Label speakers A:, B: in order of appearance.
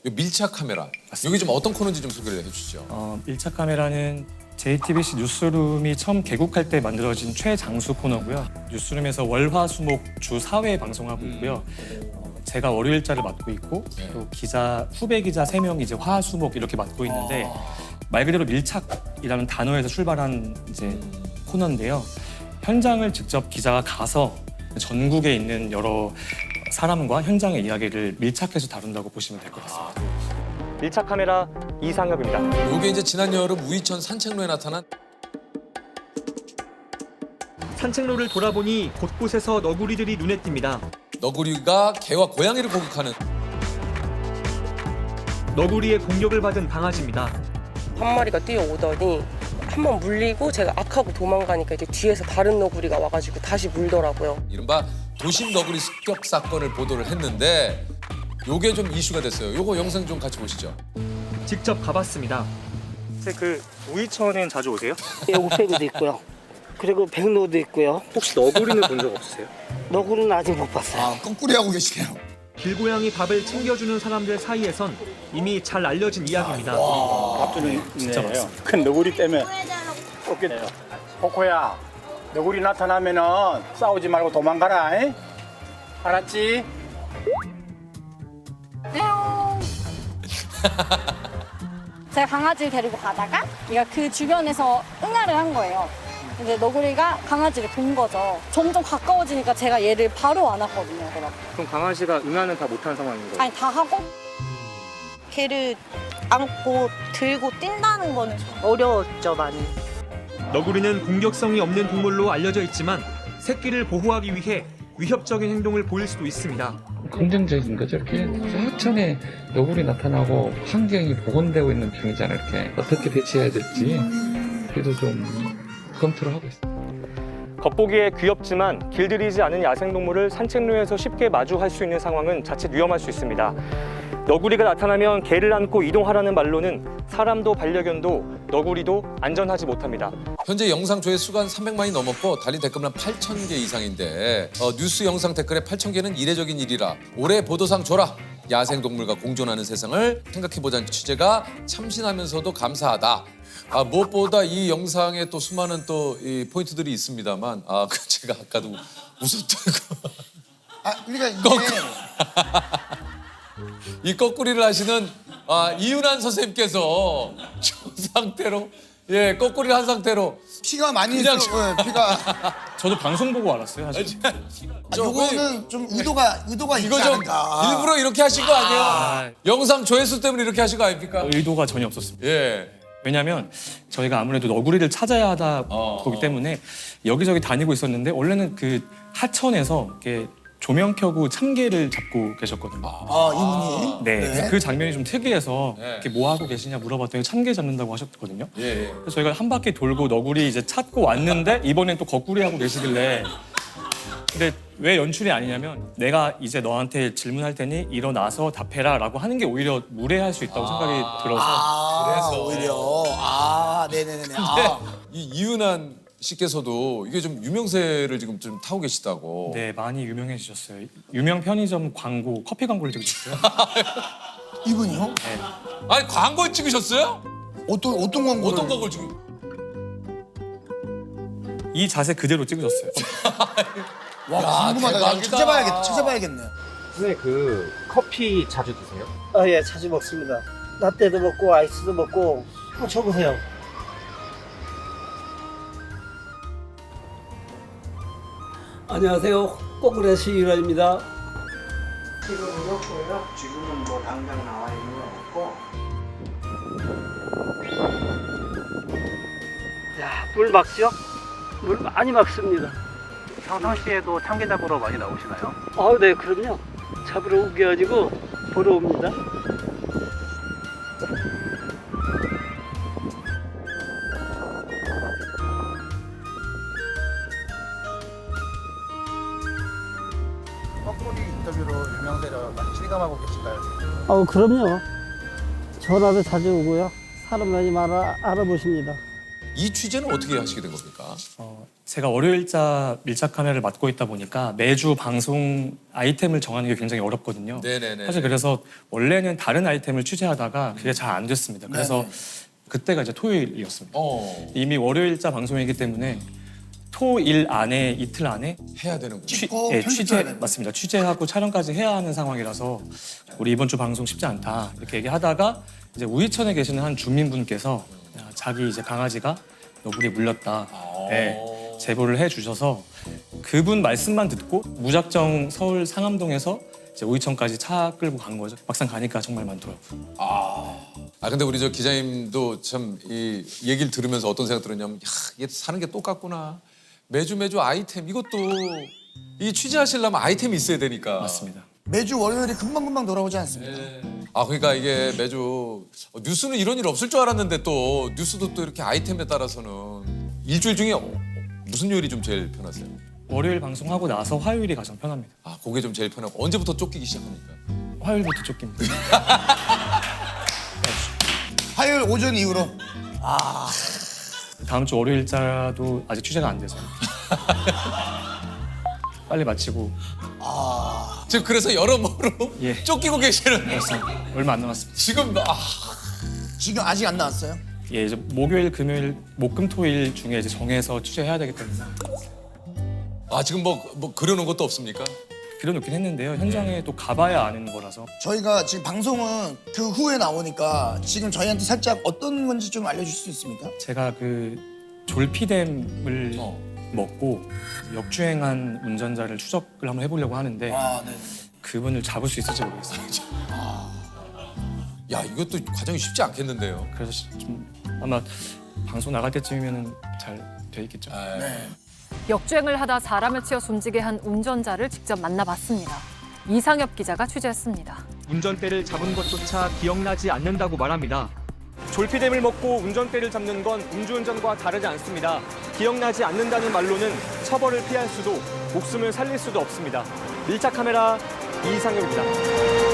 A: 이 밀착 카메라. 여기 좀 어떤 코너인지 좀 소개를 해주시죠.
B: 밀착 카메라는 JTBC 뉴스룸이 처음 개국할 때 만들어진 최장수 코너고요. 뉴스룸에서 월화수목 주 4회 방송하고 있고요. 제가 월요일자를 맡고 있고 또 기자 후배 기자 3명이 이제 화수목 이렇게 맡고 있는데 말 그대로 밀착이라는 단어에서 출발한 이제 코너인데요. 현장을 직접 기자가 가서 전국에 있는 여러 사람과 현장의 이야기를 밀착해서 다룬다고 보시면 될 것 같습니다. 밀착 카메라 이상엽입니다.
A: 이게 이제 지난 여름 우이천 산책로에 나타난
C: 산책로를 돌아보니 곳곳에서 너구리들이 눈에 띕니다.
A: 너구리가 개와 고양이를 공격하는
C: 너구리의 공격을 받은 강아지입니다.
D: 한 마리가 뛰어오더니 한 번 물리고 제가 악하고 도망가니까 이제 뒤에서 다른 너구리가 와가지고 다시 물더라고요.
A: 이른바 도심 너구리 습격 사건을 보도를 했는데 요게 좀 이슈가 됐어요. 요거 영상 좀 같이 보시죠.
C: 직접 가봤습니다.
B: 혹시 그 우이천엔 자주 오세요?
E: 예, 우페그도 있고요. 그리고 백로도 있고요.
B: 혹시 너구리는 본 적 없으세요?
E: 너구리는 아직 못 봤어요.
F: 꽁꾸리 하고 계시네요.
C: 길고양이 밥을 챙겨주는 사람들 사이에선 이미 잘 알려진 이야기입니다.
G: 밥줄이 있네요. 큰 너구리 때문에 쫓겨내요. 코코야, 너구리 나타나면은 싸우지 말고 도망가라. 잉? 알았지?
H: 제가 강아지를 데리고 가다가 얘가 그 주변에서 응아를 한 거예요. 근데 너구리가 강아지를 본 거죠. 점점 가까워지니까 제가 얘를 바로 안았거든요.
B: 그럼 강아지가 응아는 다 못한 상황인 거예요?
H: 아니 다 하고
I: 걔를 안고 들고 뛴다는 거는 어려웠죠, 많이.
C: 너구리는 공격성이 없는 동물로 알려져 있지만 새끼를 보호하기 위해 위협적인 행동을 보일 수도 있습니다.
J: 긍정적인 거죠. 이렇게 사천에 너구리 나타나고 환경이 복원되고 있는 중이잖아요. 이렇게 어떻게 대처해야 될지 그래도 좀 검토를 하고 있습니다.
B: 겉보기에 귀엽지만 길들이지 않은 야생동물을 산책로에서 쉽게 마주할 수 있는 상황은 자칫 위험할 수 있습니다. 너구리가 나타나면 개를 안고 이동하라는 말로는 사람도 반려견도 너구리도 안전하지 못합니다.
A: 현재 영상 조회수가 한 300만이 넘었고 달린 댓글은 한 8,000개 이상인데 뉴스 영상 댓글에 8,000개는 이례적인 일이라 올해 보도상 줘라. 야생동물과 공존하는 세상을 생각해보자는 취재가 참신하면서도 감사하다. 무엇보다 이 영상에 또 수많은 또 이 포인트들이 있습니다만 제가 아까도 웃었던 거.
F: 그러니까 이게
A: 이 거꾸리를 하시는 이윤환 선생님께서 저 상태로 거꾸리를 한 상태로
F: 피가 많이
A: 그냥
F: 있어. 피가.
B: 저도 방송 보고 알았어요, 사실.
F: 요거는 좀 의도가 있지
A: 이거 좀
F: 않을까.
A: 일부러 이렇게 하신 거 아니에요? 영상 조회수 때문에 이렇게 하신 거 아닙니까?
B: 의도가 전혀 없었습니다.
A: 예.
B: 왜냐하면 저희가 아무래도 너구리를 찾아야 하다 보기 때문에 여기저기 다니고 있었는데 원래는 그 하천에서 이렇게 조명 켜고 참개를 잡고 계셨거든요.
F: 이분이.
B: 네, 그 장면이 좀 특이해서
A: 네.
B: 이렇게 뭐 하고 계시냐 물어봤더니 참개 잡는다고 하셨거든요.
A: 예.
B: 그래서 저희가 한 바퀴 돌고 너구리 이제 찾고 왔는데 이번엔 또 거꾸리 하고 계시길래 근데 왜 연출이 아니냐면 내가 이제 너한테 질문할 테니 일어나서 답해라라고 하는 게 오히려 무례할 수 있다고 생각이 들어서
A: 그래서.
F: 오히려. 네네네네.
A: 이 이윤환 씨께서도 이게 좀 유명세를 지금 좀 타고 계시다고.
B: 네 많이 유명해지셨어요. 유명 편의점 광고 커피 광고를 찍으셨어요.
F: 이분이요?
A: 아니 광고 찍으셨어요?
F: 어떤 광고를?
A: 어떤 광고를 지금?
B: 이 자세 그대로 찍으셨어요.
F: 와, 궁금하다. 나도
A: 대박이다.
F: 찾아봐야겠네.
G: 네, 그 커피 자주 드세요?
E: 예, 자주 먹습니다. 라떼도 먹고 아이스도 먹고. 한번 쳐보세요.
K: 안녕하세요. 꼬꾸레 시유라입니다.
E: 지금은 없고요. 지금은 뭐 당장 나와 있는 건 없고. 야, 물 막죠? 물 많이 막습니다.
G: 평상시에도 참개 잡으러 많이 나오시나요?
E: 네, 그럼요. 잡으러 우겨가지고 보러 옵니다.
F: 거꾸리 인터뷰로 유명세를 많이 실감하고 계신가요?
E: 그럼요. 전화도 자주 오고요. 사람 많이 알아보십니다.
A: 이 취재는 어떻게 하시게 된 겁니까?
B: 제가 월요일자 밀착 카메라를 맡고 있다 보니까 매주 방송 아이템을 정하는 게 굉장히 어렵거든요.
A: 네네네.
B: 사실 그래서 원래는 다른 아이템을 취재하다가 그게 잘 안 됐습니다. 그래서 그때가 이제 토요일이었습니다. 이미 월요일자 방송이기 때문에 토일 안에 이틀 안에
A: 해야 되는군요.
B: 취재 맞습니다. 취재하고 촬영까지 해야 하는 상황이라서 우리 이번 주 방송 쉽지 않다 이렇게 얘기하다가 이제 우이천에 계시는 한 주민분께서 자기 이제 강아지가 너구리에 물렸다 제보를 해주셔서 그분 말씀만 듣고 무작정 서울 상암동에서 이제 우이천까지 차 끌고 간 거죠. 막상 가니까 정말 많더라고요.
A: 근데 우리 저 기자님도 참 이 얘기를 들으면서 어떤 생각 들었냐면 얘 사는 게 똑같구나. 매주 아이템 이것도 이 취재하시려면 아이템이 있어야 되니까.
B: 맞습니다.
F: 매주 월요일이 금방금방 돌아오지 않습니까?
A: 그러니까 이게 매주 뉴스는 이런 일 없을 줄 알았는데 또 뉴스도 또 이렇게 아이템에 따라서는 일주일 중에 무슨 요일이 좀 제일 편하세요?
B: 월요일 방송하고 나서 화요일이 가장 편합니다.
A: 그게 좀 제일 편하고 언제부터 쫓기기 시작합니까?
B: 화요일부터 쫓깁니다.
F: 화요일 오전 이후로.
B: 다음 주 월요일자도 아직 취재가 안 돼서 빨리 마치고
A: 지금 그래서 여러모로 쫓기고 계시는
B: 얼마 안 남았습니다.
A: 지금
F: 지금 아직 안 나왔어요?
B: 예, 이제 목요일, 금요일, 목금토일 중에 이제 정해서 취재해야 되기 때문에
A: 지금 뭐 그려놓은 것도 없습니까?
B: 그려놓긴 했는데요. 현장에 또 가봐야 아는 거라서
F: 저희가 지금 방송은 그 후에 나오니까 지금 저희한테 살짝 어떤 건지 좀 알려줄 수 있습니까?
B: 제가 그 졸피뎀을 먹고 역주행한 운전자를 추적을 한번 해보려고 하는데 그분을 잡을 수 있을지 모르겠습니다.
A: 야, 이것도 과정이 쉽지 않겠는데요.
B: 그래서 좀 아마 방송 나갈 때쯤이면 잘 돼 있겠죠.
L: 역주행을 하다 사람을 치어 숨지게 한 운전자를 직접 만나봤습니다. 이상엽 기자가 취재했습니다.
C: 운전대를 잡은 것조차 기억나지 않는다고 말합니다. 졸피뎀을 먹고 운전대를 잡는 건 음주운전과 다르지 않습니다. 기억나지 않는다는 말로는 처벌을 피할 수도 목숨을 살릴 수도 없습니다. 밀착 카메라 이상엽입니다.